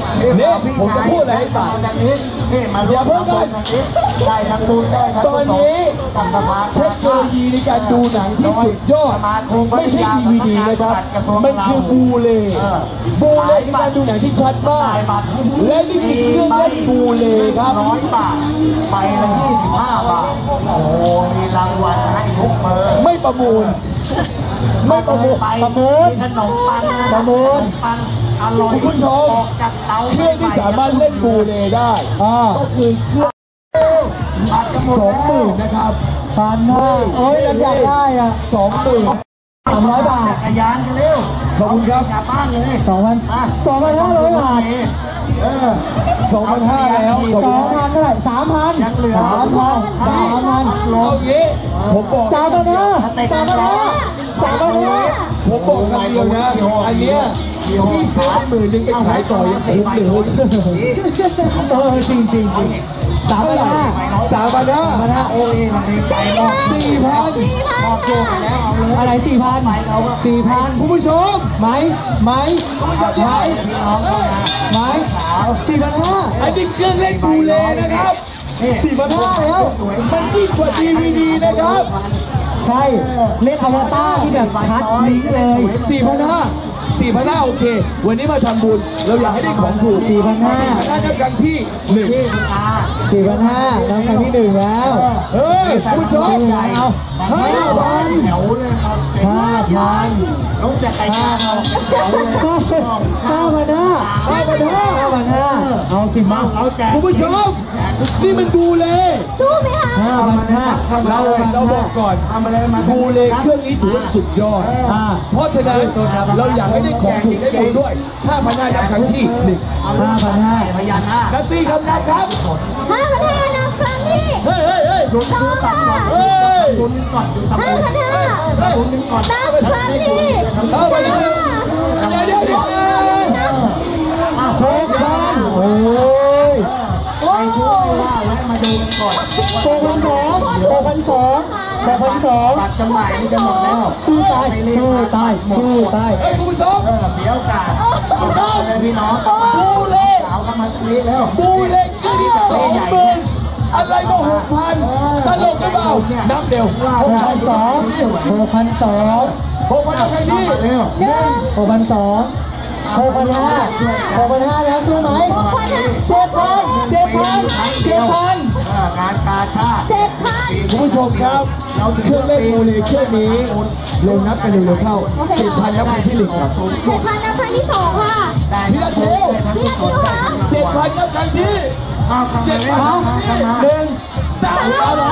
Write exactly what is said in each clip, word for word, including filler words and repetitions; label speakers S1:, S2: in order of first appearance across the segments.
S1: เนี่ยผมจะพูดอะไรให้ฟังอย่าเพิ่งกัน
S2: ได้ทั้งบุญได้ทั้ง
S1: ตอนนี้เทคโนโลยีในการดูหนังที่สุดยอดไม่ใช่ดีวีดีนะครับมันคือบูเลบูเลคือการดูหนังที่ชัดมากและนี่คือเครื่องเล่นบูเลครับ
S2: ร้อยบาทไปละยี่สิบห้าบาทโอ้มีรางวัลให้ทุกเบอร์
S1: ไม่ประมูลไม่ประมูลประมูล
S2: ขนมปัง
S1: ประมูล
S2: ปังอร่อย
S1: คุณผู้ชมเครื่องที่สามารถเล่นบูเลได้ก็คือเครื่องสองหมื่นนะครับพันห้าเอ้ยเราอยากได้อ่ะสองหมื่นสามร้อยบาท
S2: จักรยานกันเร็ว
S1: ขอบคุณครับ
S2: กลับบ้านเลย
S1: สองพันสองพันห้าร้อยบาท
S2: เออ
S1: สองพันห้าแล้ว
S2: สองพันเท่าไหร่สามพันยังเหลือ
S1: สามพันสามพันเอางี้ผมบอก
S2: สามพันห้าสามพันห้าสามพันห้า
S1: ผมบอกคำเดียวนะอันเนี้ยพี่ซื้อหมื่นหนึ่งไปขายต่อยังคุ้มเลยเออจริงจริงจริงสามพันห้าสามพันห้า
S2: มันห้าโอ้ยมันมีใจรอบ
S1: สี่พัน
S2: รอบโจไปแล้วเอาเลย
S1: อะไรสี่พันสี่พันคุณผู้ชมไหมไหมคุณผู้ชมไหมไหมสี่พันห้าอันนี้เครื่องเล่นบูเลนะครับสี่พันห้าแล้วมันยิ่งกว่าดีวีดีนะครับใช่เล่นอวตารที่แบบชัดลิงเลยสี่พันห้าสี่พันห้าโอเควันนี้มาทำบุญเราอยากให้ได้ของถูกสี่พันห้าได้นับกันที่หนึ่งสี่พันห้านับกันที่หนึ่งแล้วเฮ้ยผู้ชมเอาห้าพัน
S2: แถวเลยครับ
S1: ห้าพัน
S2: ลงจากไก่ย่างเราแถวเลย
S1: ห้าพันห้าห้าพันห้าห้าพันห้าเอาสิมาคุณผู้ชมนี่มันดูเลย
S3: สู้ไหมคะ
S1: ห้าพันห้าเราเราบอกก่อนดูเลยเครื่องนี้ถือว่าสุดยอดเพราะฉะนั้นเราอยากให้ได้ของถูกได้บุญด้วยห้าพันห้านับครั้งที่หนึ่งห้าพันห้า
S2: พยานห้า
S1: นับตีครับนับครับ
S3: ห้าพันห้านับครั้งที่
S1: เฮ้ยเฮ้ยเฮ้ย
S2: ลุ้นซื้อตับก่อนเฮ้ยลุ้นก่อนอยู่ตับ
S3: ห้าพันห้า
S2: ลุ้นก่อน
S3: นับครั้งที่
S1: ห้าพันห้าเดี๋ยวเดี๋ยวเดี๋ยวหกพันโอ้ย
S2: ไปช่วยว่าแวะมาดูกันก่อน
S1: หกพันสองหกพันสองหกพันสอง
S2: บัตรจำหน่ายนี่จะหมดแล้ว
S1: สู้ตายสู้ตายสู้ตายเฮ้ยคุณผู้ชม
S2: เออเสียโอกาสคุณผู้ชมเลยพี่น้อง
S1: บูเล่
S2: สาวกำลังซีแล้ว
S1: บูเล่คือที่สองหมื่นอะไรก็หกพันตลกหรือเปล่านับเร็วหกพันสองหกพันสองหกพันใครดีหกพันสองหกพันห้าหกพันห้าแล้วซื้อไหมเจ็ดพันเจ็ดพันเจ็ดพัน
S2: งานกาชาติ
S3: เจ็ดพัน
S1: คุณผู้ชมครับเครื่องเล่นโมเลเครื่องนี้ลงนับกันเร็วๆเข้าเจ็ดพันนับครั้งที่หนึ่งครับ
S3: เจ็ดพันนับครั้งที่สองค่ะ
S1: พี่นัทเทว
S3: พี่นัทเทวค่ะ
S1: เจ็ดพันนับครั้งที่เจ็ดพันหนึ่งสามสาม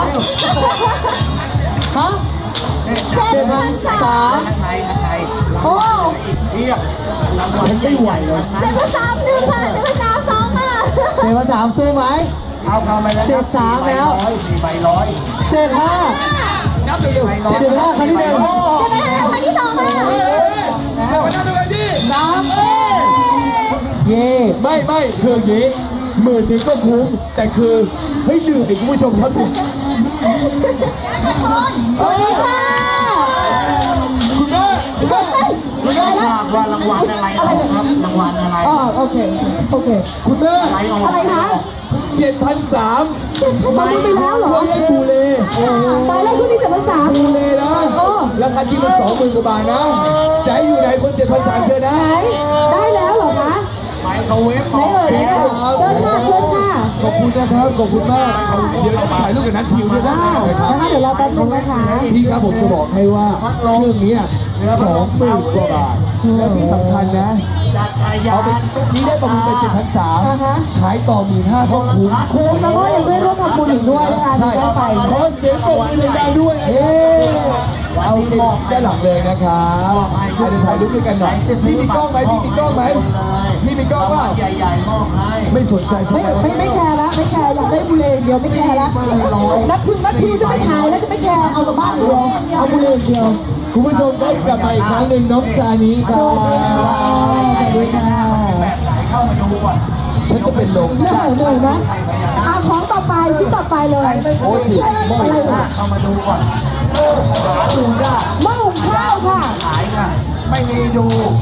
S1: ฮะ
S3: เจ็ดพันสามโอ้
S2: เทียบ
S1: ฉันไม่ไหวเลย
S3: เจ็ดพันสามหนึ่งค่ะเจ็ดพันสามสองค่ะ
S1: เจ็ดพันสามสู้ไหม
S2: เอาเข้าไปแล้ว
S1: เจ็ดสามแล้ว
S2: สี่ใบร้อย
S1: เจ็ดห้านับเร็วๆเจ็ดห้าครั้งที่หนึ่ง
S3: เจ็ดห้าครั้งที่สองค่ะ
S1: เจ็ดพันห้าครั้งที่สามเย่ไม่ไม่คืออย่างนี้หมื่นหนึ่งก็คุ้มแต่คือให้เหนื่อยคุณผู้ชมครับ
S3: สวัสดีค่ะ
S1: คุณแม่คุณแม่
S2: คุณแม่ทราบว่ารางวัลอะไรครับรางวัลอะไร
S1: อ๋อโอเคโอเคคุณแม่
S3: อะไรคะ
S1: เจ็ดพันสาม
S3: ตอนนี้ไปแล้วเหรอ
S1: เล่นบูเล่
S3: ตายแล้วคุณนี่เจ็ดพันสาม
S1: บูเล่นะราคาที่มันสองหมื่นกว่าบาทนะใจอยู่ไหนคนเจ็ดพันสามเชิญนะ
S3: ได้แล้วเหรอคะ
S2: ไปเขาเว็บ
S3: ไหนเอ่ยเชิญค่ะเชิญค่ะ
S1: ขอบคุณนะครับขอบคุณมากเดี๋ยวถ่ายรูปกับนัททิวด้วยนะ
S3: นะคะเดี๋ยวรอแป๊บนึงนะคะ
S1: พี่ครับผมจะบอกให้ว่าเครื่องนี้สองหมื่นกว่าบาทแล้วที่สำคัญนะเอาไปนี่ได้ประมูลไปเจ็ดพันสามขายต่อหมื่นห้าก็คุ้ม
S3: คุ้มแล้วก็ยังได้ร่วมทำบุญอีกด้วยนะคะ
S1: ใช่
S3: ไป
S1: ขอเสียงปรบมือดังๆด้วยเฮ้เอาไปด้านหลังเลยนะครับเดี๋ยวถ่ายรูปด้วยกันหน่อยพี่มีกล้องไหมพี่มีกล้องไหมพี่มีกล้องว่า
S2: ใหญ่ๆมอบให้
S1: ไม่สนใจใช่ไหม
S3: ไม่ไม่แคร์แล้วไม่แคร์อยากได้บุเรนเดียวไม่แคร์แล้วนับคิวนับคิวจะไม่ขายแล้วจะไม่แคร์เอากลับบ้านเดียวเอาบุเรนเดียว
S1: คุณผู้ชมได้กลับมาอีกครั้งหนึ่งน้องซานีครับ
S3: สวัสดีค่ะ
S2: เข้ามาดูก่อน
S1: ฉันจะเป็นลม
S3: เหนื่อยเหนื่อยไหมเอาของต่อไปชิ้นต่อไปเลย
S1: โอ้ย
S3: อะไรนะ
S2: เข้ามาดูก่อนหาดูได้
S3: หม้อหุงข้าวค่ะ
S2: ขายค่ะไม่มีดู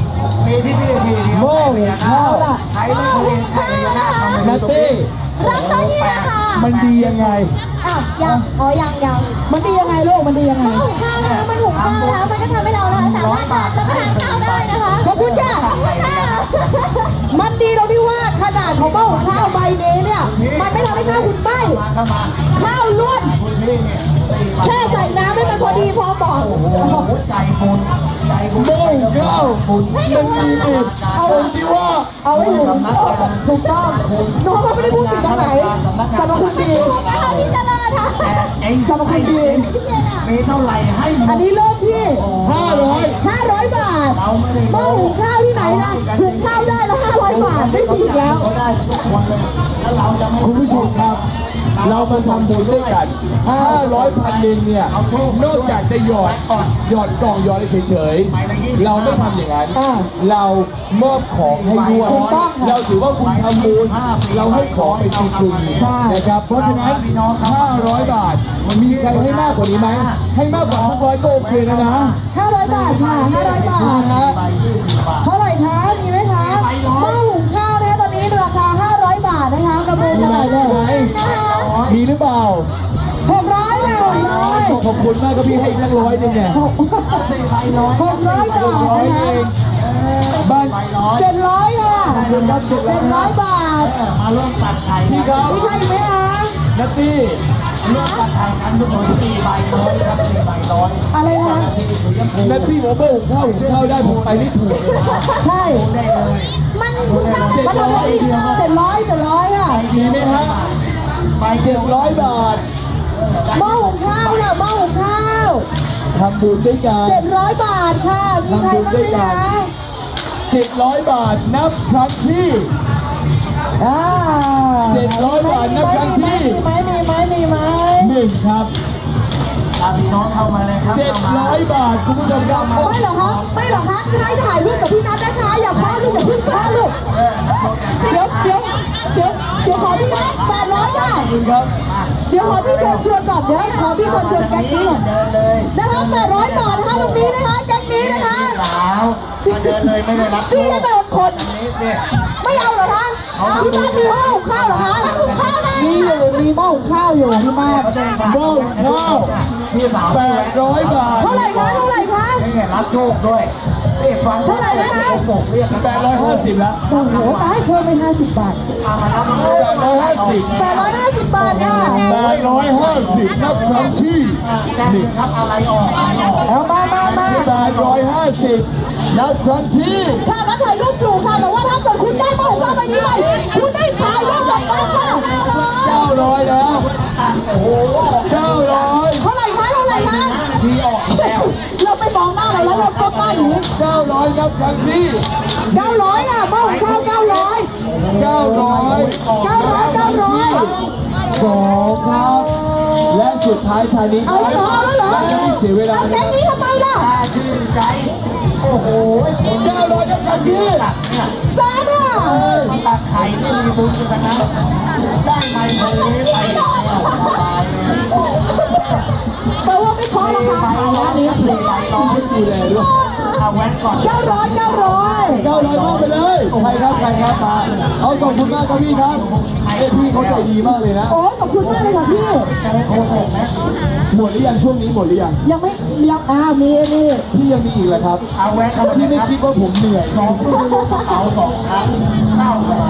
S2: มีที่นี่ทีเดียว
S1: โม่ข้าว
S2: ใครไม่เคยใครจะน่าทำ
S1: นัตตี้
S3: รับตัวนี้นะคะ
S1: มันดียังไง
S3: อ้าวยังอ๋อยังยังมันดียังไงลูกมันดียังไงมันหุงข้าวนะคะมันหุงข้าวนะคะมันก็ทำให้เรานะคะสามารถทานรับประทานข้าวได้นะคะขอบคุณค่ะขอบคุณค่ะมันดีตรงที่ว่าขนาดของหม้อหุงข้าวใบนี้เนี่ยมันไม่ทำให้ข้าวคุณไหม้
S2: มาเข้ามา
S3: ข้าวล้วน
S2: คุณพี่เนี่ยสี่วัน
S3: แค่ใส่น้ำให้มันพอดีพอเหมาะ
S2: โอ้โหใจบุญใจบุญ
S1: โม่ข้าว
S2: บุญ
S3: ให้หนู
S1: มันดี
S3: เอา
S1: ตรงที่ว่า
S3: เอาไว้ถูกถูกต้องน้องเขาไม่ได้พูดถึงตรงไหนสรรพคุณดีที่จะเลิศค่ะ
S2: เอง
S3: สรรพคุณดี
S2: มีเท่าไหร่ให้หม
S3: อัน
S2: ด
S3: นี้เริ่มที่
S1: ห้าร้อย
S3: ห้าร้อยบาทหม้อหุงข้าวที่ไหนนะหุงข้าวได้ละห้าร้อยบาทไม่ผิดแล้ว
S2: เขาได้ทุกคนเลยแล้วเราจะไม่
S1: คุณผู้ชมครับ เรามาทำบุญด้วยกันห้าร้อยพันหนึ่งเนี่ย นอกจากจะหยอดหยอดกล่องหยอดอะไรเฉยๆ เราไม่ทำอย่างนั้น เรามอบของให้ด้วย เราถือว่าคุณทำบุญ เราให้ของเป็นจริงๆนะครับ เพราะฉะนั้น ห้าร้อยบาท มีใครให้มากกว่านี้ไหม ให้มากกว่าห้าร้อยก็โอเคแล้วนะ
S3: ห้าร้อยบาทค่ะห้าร้อยบาท
S1: นะฮะ
S2: ใบยี่สิบบาท
S3: เท่าไหร่คะ มีไหมคะหม้อหุงข้าวนะคะตอนนี้ราคาห้าร้อยบาทนะคะกระเบื้อง
S1: มี
S3: เท่า
S1: ไหม
S3: ไหร่เล
S1: มีไหม
S3: ยนะคะ
S1: มีหรือเปล่า
S3: หกร้อยค่ะหกร้อย
S1: ขอบคุณมากครับพี่ให้อีกตั้งร้อยหนึงเนี่ย
S3: หกร้อยบาท
S1: ร้อย
S3: นะ
S1: เอ
S3: คะ
S1: งบ้าน
S3: เจ็ดร้อยค่ะเจ็ดร้อยบาท
S2: มาร่วมตัดไข่
S1: พี่ครับ
S3: มีใครอีกไหมคะ
S1: นัตตี้
S2: ร่วมตัดไข่กันทุกคนสี่ใบร้อยครับสี่ใบร้อย
S3: อะไรนะ
S1: นัตตี้บอกว่าหุงข้าวหุงข้าวได้ผมไปไม่ถูกเลยนะ
S3: ใช่
S2: ได้เลย
S3: มันถูกต้องมันทำได้ดีเจ็ดร้อยเจ็ดร้อยค่ะ
S1: มีไหมฮะ
S2: ใบ
S1: เจ็ดร้อยบาท
S3: หม้อหุงข้าวค่ะหม้อหุงข้าว
S1: ทำบุญด้วยกัน
S3: เจ็ดร้อยบาทค่ะ มีใครบ้างไหมคะ
S1: เจ็ดร้อยบาทนับครั้งที่
S3: อ่า
S1: เจ็ดร้อยบาทนับครั้งที่
S3: มีไหมมีไหมมีไหม
S1: หนึ่งครับ
S2: พี่น้องเข้ามาเลยครับ
S1: เจ็ดร้อยบาทคุณผู้ชมครับ
S3: ไม่หรอกคะไม่หรอกคะให้ถ่ายรูปกับพี่นัทนะคะอย่าพลาดลูกอย่าเพิ่งพลาดลูกเดี๋ยวเดี๋ยวเดี๋ยวเดี๋ยวขอพี่นัทแปดร้อยค่ะ
S1: ขอบคุณครับ
S3: เดี๋ยวขอพี่ชวนชวนก่อนเดี๋ยวขอพี่ชวนชวนแก๊งนี้ก่อน
S2: เดินเลย
S3: นะคะแปดร้อยบาทนะคะตรงนี้นะคะแก๊งนี้นะคะ
S2: สาวมาเดินเลยไม่ได้รับ
S3: พี่ให้ไปหกคน
S2: นี้เนี่ย
S3: ไม่เอาเหรอคะที่บ้านมีหม้อหุงข้าวเหรอคะหุงข้าวนะมีอยู่มีหม้อหุงข้าวอยู่ที่บ้าน
S1: หม้อหุงข้าว
S2: พี่สาว
S1: แปดร้อยบาท
S3: เท่าไหร่คะเท่าไหร่คะ
S2: นี่รับโชคด้วยนี่ฟังบอกเรียก
S1: แปดร้อยห้าสิบแล้ว
S3: โอ้โหตายเพิ่มไปห้าสิบบาท
S2: มารับ
S1: แปดร้อยห้าสิบ
S3: แปดร้อยห้าสิบบาทค่ะ
S1: แปดร้อยห้าสิบนับครั้งที่หนึ่ง
S2: ครับอะไรออกอะไรออก
S3: เอามามามา
S1: แปดร้อยห้าสิบนับครั้งที่
S3: ค่ะมาถ่ายรูปอยู่ค่ะแต่ว่าถ้าเกิดคุณได้หม้อหุงข้าวใบนี้ไปคุณได้ถ่ายรูปกับบ้านค่ะ
S1: เก้าร้อยแล้ว
S2: โอ้โห
S1: เก้าร้อย
S3: เท่าไหร่คะเท่าไหร่คะ
S2: ทีออกแล้ว
S3: เราไปมองหน้าเราแล้วเราก็ป้าอยู่
S1: เก้าร้อยนับครั้งที่
S3: เก้าร้อยค่ะหม้อหุงข้าวเก้าร้อย
S1: เก้าร้อย
S3: เก้าร้อยเก้าร้อย
S1: สองครับ และสุดท้ายชายนี้
S3: เอาเหรอเอาเหรอ
S1: และไม่เสียเวลา
S3: เอาแก๊งนี้ทำไมล่ะ
S2: ตาชื่นใจโอ้โห
S1: เก้าร้อยนับครั้งที่
S2: เนี่ย
S3: สามค่ะ
S2: ตัดไข่นี่มีบุญกันนะได้ไมค์คนนี้ไปแล้วสบายเลย
S3: แปลว่าไม่ขอราคา
S2: ไป
S3: ขาย
S2: ร้อ
S3: ร้าน น
S2: นี้
S3: นี้
S2: สี่ใบร้อย
S1: ดูแลด้วย
S2: เอาแว้นก่อน
S3: เก้าร้อยเก้าร้อย
S1: เก้าร้อยมากไปเลย ใครครับ ใครครับมาเอาขอบคุณมากครับพี่ครับเอ้ยพี่เขาใจดีมากเลยนะ
S3: โอ้ขอบคุณมากเลยค่ะพี่
S2: จะได้โค้งนะ
S1: หมดหรือยังช่วงนี้หมดหรือยัง
S3: ยังไม่ยังอ่ามีมี
S1: พี่ยังมีอีกเหรอครับ
S2: เอาแว้นเข้ามา
S1: พี่
S2: เลย
S1: ไม่
S2: ครับ
S1: คิดว่าผมเหนื่อย
S2: สองตู้เอาสองครั้งเข้าแหวน